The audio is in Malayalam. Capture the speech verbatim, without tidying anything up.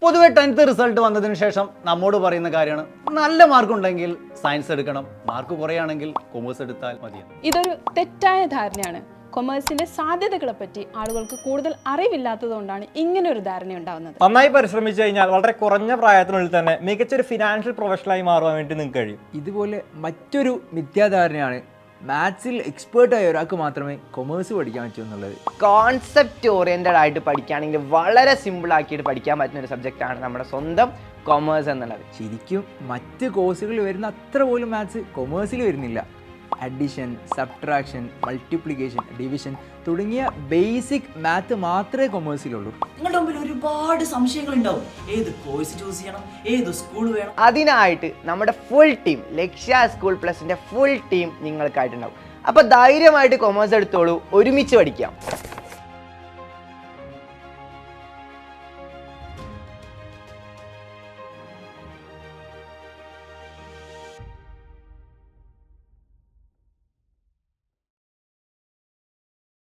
പൊതുവെ ടെൻത്ത് റിസൾട്ട് വന്നതിന് ശേഷം നമ്മോട് പറയുന്ന കാര്യമാണ് നല്ല മാർക്ക് ഉണ്ടെങ്കിൽ സയൻസ് എടുക്കണം, മാർക്ക് കുറയാണെങ്കിൽ കൊമേഴ്സ് എടുത്താൽ മതി. ഇതൊരു തെറ്റായ ധാരണയാണ്. കൊമേഴ്സിന്റെ സാധ്യതകളെ പറ്റി ആളുകൾക്ക് കൂടുതൽ അറിവില്ലാത്തതുകൊണ്ടാണ് ഇങ്ങനെ ഒരു ധാരണ ഉണ്ടാവുന്നത്. നന്നായി പരിശ്രമിച്ചു കഴിഞ്ഞാൽ വളരെ കുറഞ്ഞ പ്രായത്തിനുള്ളിൽ തന്നെ മികച്ചൊരു ഫിനാൻഷ്യൽ പ്രൊഫഷണലായി മാറുവാൻ വേണ്ടി നിങ്ങൾക്ക് കഴിയും. ഇതുപോലെ മറ്റൊരു മിഥ്യാധാരണയാണ് മാത്സിൽ എക്സ്പേർട്ടായ ഒരാൾക്ക് മാത്രമേ കൊമേഴ്സ് പഠിക്കാൻ പറ്റൂ എന്നുള്ളത്. കോൺസെപ്റ്റ് ഓറിയൻറ്റഡ് ആയിട്ട് പഠിക്കുകയാണെങ്കിൽ വളരെ സിമ്പിൾ ആക്കിയിട്ട് പഠിക്കാൻ പറ്റുന്ന ഒരു സബ്ജക്റ്റാണ് നമ്മുടെ സ്വന്തം കൊമേഴ്സ് എന്നുള്ളത്. ശരിക്കും മറ്റ് കോഴ്സുകളിൽ വരുന്ന അത്ര പോലും മാത്സ് കൊമേഴ്സിൽ വരുന്നില്ല. അഡിഷൻ, സബ്ട്രാക്ഷൻ, മൾട്ടിപ്ലിക്കേഷൻ, ഡിവിഷൻ തുടങ്ങിയ ബേസിക് മാത്ത് മാത്രമേ കൊമേഴ്സിലുള്ളൂ. നിങ്ങളുടെ മുമ്പിൽ ഒരുപാട് സംശയങ്ങൾ ഉണ്ടാവും. ഏത് കോഴ്സ് ചൂസ് ചെയ്യണം, ഏത് സ്കൂൾ വേണം. അതിനായിട്ട് നമ്മുടെ ഫുൾ ടീം, ലക്ഷ്യ സ്കൂൾ പ്ലസിന്റെ ഫുൾ ടീം നിങ്ങൾക്കായിട്ടുണ്ടാവും. അപ്പോൾ ധൈര്യമായിട്ട് കൊമേഴ്സ് എടുത്തോളൂ, ഒരുമിച്ച് പഠിക്കാം.